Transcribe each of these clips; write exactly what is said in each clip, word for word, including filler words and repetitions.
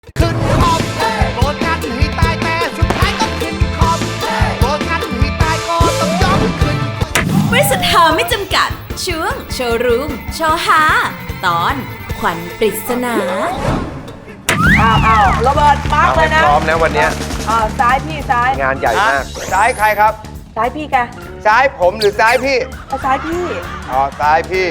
ขึ้นคอมโกรธกันให้ตายแต่สุดท้ายก็ขึ้นคอมโกรธกันให้ตายก็ต้องยอมขึ้นบริษัทหาไม่จำกัดช่วงโชว์รูมโชว์หาตอนขวัญปริศนาอ้าวอ้าวโรเบิร์ตมาร์กเลยนะพร้อมนะวันนี้อ่าซ้ายพี่ซ้ายงานใหญ่มากซ้ายใครครับซ้ายพี่แกซ้ายผมหรือซ้ายพี่เอาซ้ายพี่อ๋อ ซ้ายพี่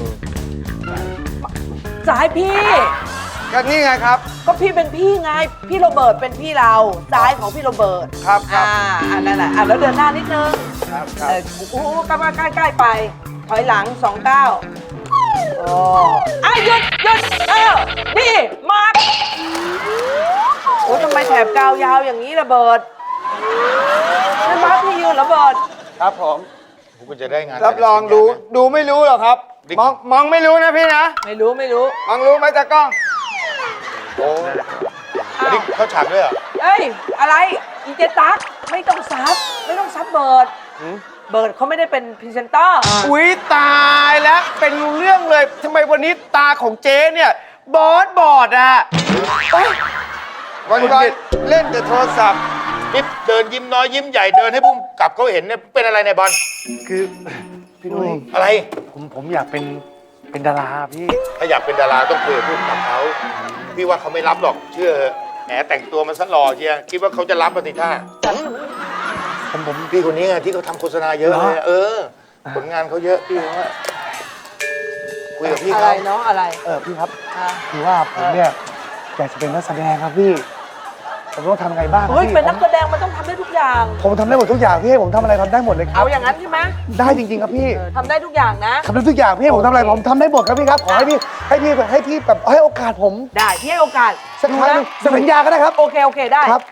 ซ้ายพี่ก็นี่ไงครับก็พี่เป็นพี่ไง พี่โรเบิร์ตเป็นพี่เรา ซ้ายของพี่โรเบิร์ตครับครับอ่าอันนั้นแหละอ่ะแล้วเดินหน้านิดนึงครับคเอรับอโอ้โหใกล้ใกล้ใกล้ไป ถอยหลังสองเก้าโอ้อ่ะหยุดหยุดเออนี่มาร์กโอ้ทำไมแถบกาวยาวอย่างนี้ระเบิดนั่นมาร์กพี่ยืนระเบิดครับผมคุณจะได้งานรับรองดู ดูไม่รู้หรอกครับ มอง มองไม่รู้นะพี่นะไม่รู้ไม่รู้มองรู้ไหมตากล้องโอ้อ้าวนี่เขาฉากด้วยเหรอเอ้ย อะไร อีเจตักไม่ต้องซับ ไม่ต้องซับเบิร์ดเบิร์ดเขาไม่ได้เป็นพรีเซนเตอร์อุ๊ยตายแล้วเป็นเรื่องเลยทำไมวันนี้ตาของเจ๊เนี่ยบอดบอดอ่ะวันวันๆเล่นแต่โทรศัพท์นี่เดินยิ้มน้อยยิ้มใหญ่เดินให้พุ่มกลับเขาเห็นเนี่ยเป็นอะไรในยบอลคือพี่นุ้ยอะไรผมผมอยากเป็นเป็นดาราพี่ถ้าอยากเป็นดาราต้องคุยกับพุ่มกับเขาพี่ว่าเขาไม่รับหรอกเชื่อเถอะแหมแต่งตัวมันซะหล่อเชียคิดว่าเขาจะรับปฏิท่าผมผมพี่คนนี้ไงที่เขาทำโฆษณาเยอะเลยเออ ผลงานเขาเยอะพี่ว่าคุยกับพี่อะไรเขาเนาะอะไรเออพี่ครับอ่ะคือว่าผมเนี่ยอยากจะเป็นนักแสดงครับพี่ผมต้องทำไงบ้างเฮ้ยพี่เป็นนักแสดงมันต้องทำได้ทุกอย่างผมทำได้หมดทุกอย่างพี่ให้ผมทำอะไรทำได้หมดเลยครัเอาบอย่างนั้นใช่ไหมได้จริงๆครับพี่เออทำได้ทุกอย่างนะทำได้ทุกอย่างพี่ให้ผมทำอะไรผมทำได้หมดครับพี่ครับขอให้พี่ให้พี่ให้พี่แบบให้โอกาสผมได้ที่ให้โอกาสสักครั้งหนึ่งสัญญาก็ได้ครับโอเค โอเค ได้ครับ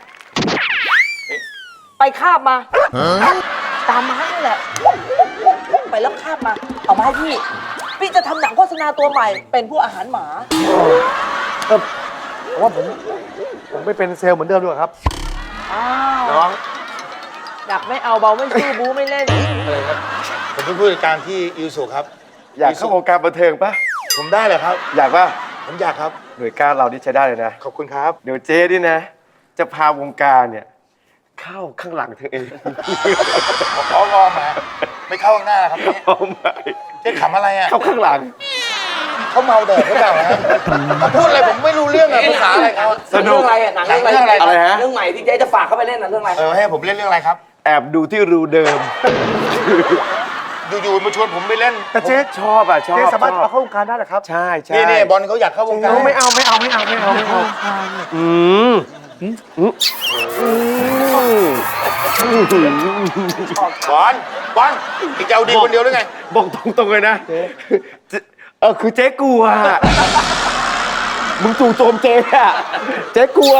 ไปคาบมา ตามมานี่แหละ ไปแล้วคาบมา เอามาให้พี่ พี่จะทำหนังโฆษณาตัวใหม่ เป็นผู้อาหารหมาเออผมว่าผมผมไม่เป็นเซลล์เหมือนเดิมดีกว่าครับอ้าวน้องดักไม่เอาเบาไม่สู้บูไม่เล่นอะไรครับผมเป็นผู้จัดการที่อิวสุครับอยากเข้าวงการบันเทิงปะผมได้เลยครับอยากปะผมอยากครับหน่วยก้านเรานี่ใช้ได้เลยนะขอบคุณครับเดี๋ยวเจ๊นี่นะ จะพาวงการเนี่ย เข้าข้างหลังเธอเองขอรอมาไม่เข้าข้างหน้าครับพี่เอาไหมเจ๊ขำอะไรอ่ะเข้าข้างหลังเขาเมาแดดหรือเปล่าฮะเขาพูดอะไรผมไม่รู้เรื่องอะภาษาอะไรเขาสนุเรื่กองอะไรอะหนังหนังเรื่องอะไรเรื่องอะไรอะไรฮะเรื่องใหม่ที่เจ๊จะฝากเข้าไปเล่นนะเรื่องอะไรเออให้ผมเล่นเรื่องอะไรครับแอบดูที่รูเดิมอยู่ๆมาชวนผมไปเล่นแต่เจ๊ชอบอ่ะชอบเจ๊สามารถชอบเอาเข้าวงการได้เหรอครับใช่ใช่นี่นี่บอลเขาอยากเข้าวงการไม่เอาไม่เอาไม่เอาไม่เอาไม่เอาอืมอืมอืมบอลบอลอีกจะเอาดีคนเดียวหรือไงบอกตรงๆเลยนะเจ๊เออคือเจ๊กลัวมึงจู่โจมเจ๊อะเจ๊กลัว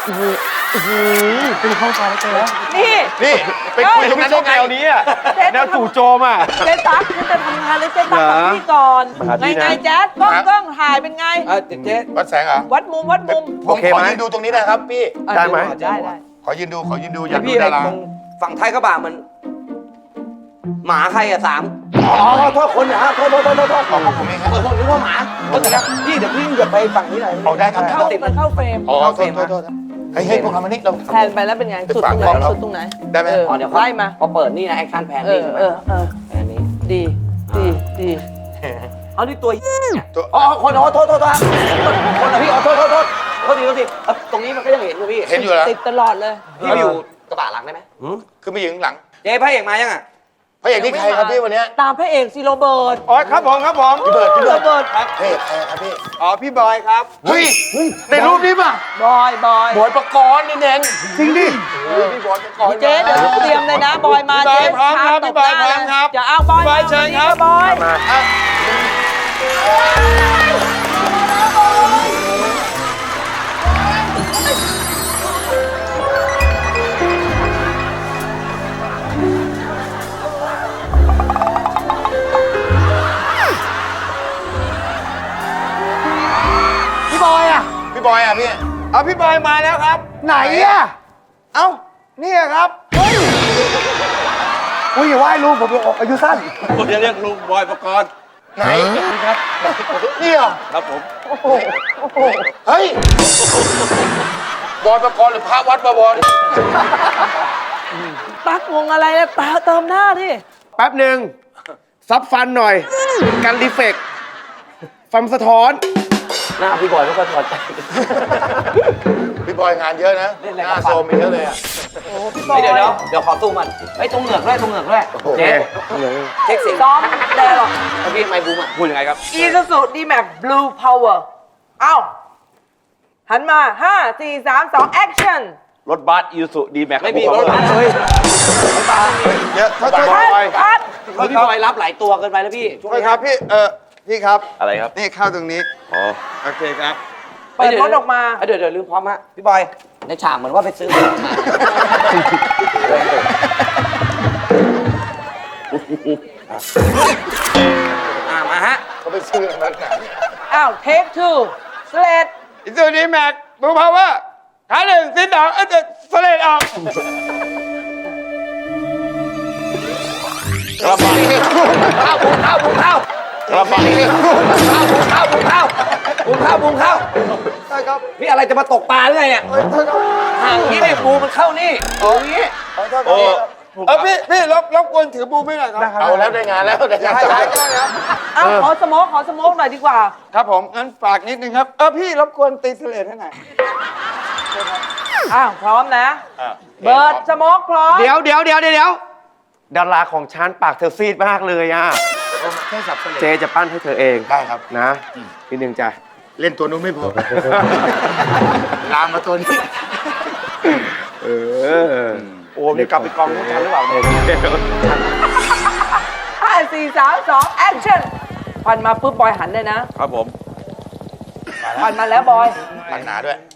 เป็นข้าวการเจ๊นี่นี่ไปคุยตรงนั้นได้ไงแนวนี้อะแนวจู่โจมอะเจ๊ตั๊กฉันจะทำงานเลยเจ๊ตั๊กกับพี่ก่อนมาหาพี่ไงนะไงแจ๊ดกล้องกล้องถ่ายเป็นไงเออเจ๊วัดแสงเหรอวัดมุมวัดมุมผมโอเคขอไหมยืนดูตรงนี้นะครับพี่ได้ไหมได้ได้ขอยืนดูขอยืนดูอยากดูพี่ดาราตรงฝั่งท้ายกระบะมัน หมาใครอะสามอ๋อโทษคนนะโทษโทษโทษโทษโทษขอบผมเองครับเออผมนึกว่าหมาก็แต่ละพี่เดี๋ยวพี่อย่าไปฝั่งนี้หน่อยเอาได้ครับเข้ามันเข้าเฟรมอ๋อโทษโทษโทษเฮ้ยเฮ้ยพวกเรามานี่เราแทนไปแล้วเป็นไง สุดตรงไหนฝากกล้องเราสุดตรงไหนได้ไหมเอออ๋อเดี๋ยวไล่มาพอเปิดนี่นะแอคชั่นแพนเอนี่อเออเออแพนนี้ดีดีดีเอานี่ตัวตัวอ๋อคนอ๋อโทษโทษโทษคนอะพี่อ๋อโทษโทษโทษโทษทีโทษทีเอ้าตรงนี้มันก็ยังเห็นอยู่พี่เห็นอยู่แล้วติดตลอดเลยพี่ไปอยู่กระบะหลังได้ไหมคือไปยืนหลังเจ๊พระเอกมายังอะพระเอกนี่ใครครับพี่วันนี้ตามพระเอกซีโรเบิร์ตอ๋อครับผมครับผมพี่เบิร์ดพี่โรเบิร์ดเบิร์ตพระเอกใครครับพี่อ๋อพี่บอยครับเฮ้ยในรูปนี้ป่ะบอยบอยบอยประกรณ์นี่เองจริงดิพี่บอยประกรณ์เจ๊เดี๋ยวเตรียมเลยนะ บอยมาพี่บอยเจ๊พร้อมครับตพี่บอยหน้าพร้อมครับอย่าเอาบอยพี่บอยเชิญครับบอยมาพี่บอยอ่ะพี่บอยอ่ะพี่เอาพี่บอยมาแล้วครับไหนอ่ะเอ้านี่ครับอุ้ยอย่าไหว้ลุงผมอายุสั้นผมจะเรียกลุงบอยประกรณ์ไหนครับนี่เหรอครับผมเฮ้ยบอลประกรณ์หรือพระวัดบวรตักงงอะไรเนี่ยตาเติมหน้าดิแป๊บหนึ่งซับฟันหน่อย กันรีเฟกต์ฟันสะท้อนหน้าพี่บอยไม่ค่อยพอใจพี่บอยงานเยอะนะเล่นอะไรหกับน้าฟันโซมอีกเยอะเลยอ่ะเฮ้ยเดี๋ยวเดี๋ยวเดี๋ยวขอตู้มันไอ้ยตรงเหงือกด้วยตรงเหงือกด้วยโอเคเจ๊เช็คเสียงซ้อมแน่หรอกแล้วพี่ไมค์บูมอ่ะพูดยังไงครับ Isuzu D-Max Blue Power เอ้า หันมา ห้า สี่ สาม สอง action รถบัสยูสุดีแม็กไม่มีรถบัสเลยเดี๋ยวโทษคัโทษดคัดพี่บอยรับหลายตัวเกินไปแล้วพี่ช่วงโทษนี้ครับพี่ เออพี่ครับอะไรครับนี่เข้าตรงนี้อ๋อโอเคครับเปิดรถออกมาเอ้ยเดี๋ยวเดี๋ยวลืมพร้อมฮะพี่บอยในฉากเหมือนว่าไปซื้อของมาอ่ามาฮะเขาไปซื้ออะไรมาอ้าว take two slate อิซูดีแม็กบูพาวเวอร์ขาหนึ่งสิบสองเออสเลดออกกระบะข้าวบุงข้าวบุงข้าวกระบะข้าวบุงข้าวบุงข้าวบุงข้าวบุงข้าวใช่ครับพี่อะไรจะมาตกปลาหรือไงเนี่ยเอ้ยโทษครับห่างนี้เนี่ยบูมันเข้านี่อย่างนี้ขอโทษครับเออพี่พี่รบรบกวนถือบูมให้หน่อยครับเอาแล้วได้งานแล้วได้งานได้จะได้ได้ได้ครับอ้าวขอสโมกขอสโมกหน่อยดีกว่าครับผมงั้นฝากนิดนึงครับ เออพี่รบกวนตีสเลดให้หน่อยอ้าว พร้อมนะ เบิร์ดสโมกพร้อมเดี๋ยวเดี๋ยวเดี๋ยวเดี๋ยวดาราของฉันปากเธอซีดมากเลยอ่ะแค่สับเสลเจจะปั้นให้เธอเองได้ครับนะนิดนึงจ้ะเล่นตัวนู้นไม่พอ ลามมาตัวนี้เออโอ้มีกลับไปกองนู้นกันหรือเปล่าเนี่ยห้า สี่ สาม สอง action พันมาปุ๊บบอยหันเลยนะครับผมพันมาแล้วบอยหนักหนาด้วย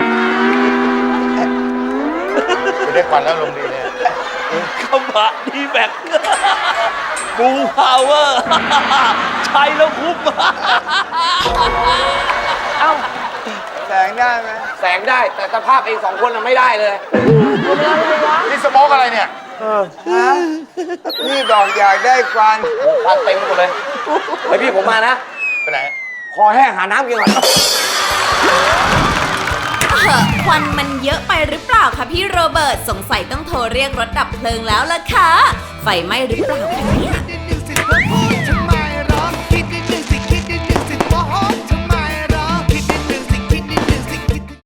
ไม่ได้ควันแล้วลงดีเลยกระบะดีแม็กบูพาวเวอร์ ใช้แล้วคุ้มเอ้าแสงได้ไหมแสงได้แต่สภาพเองสองคนน่ะไม่ได้เลยนี่สโมกอะไรเนี่ยพี่บอกอยากได้ควันควันเต็มหมดเลยไอพี่ผมมานะไปไหนคอแห้งหาน้ำกินก่อนเถอะควันมันเยอะไปหรือเปล่าคะพี่โรเบิร์ตสงสัยต้องโทรเรียกรถดับเพลิงแล้วล่ะค่ะ ไฟไหม้หรือเปล่าคะเนี่ยดินดินสิเธอพูดฉัน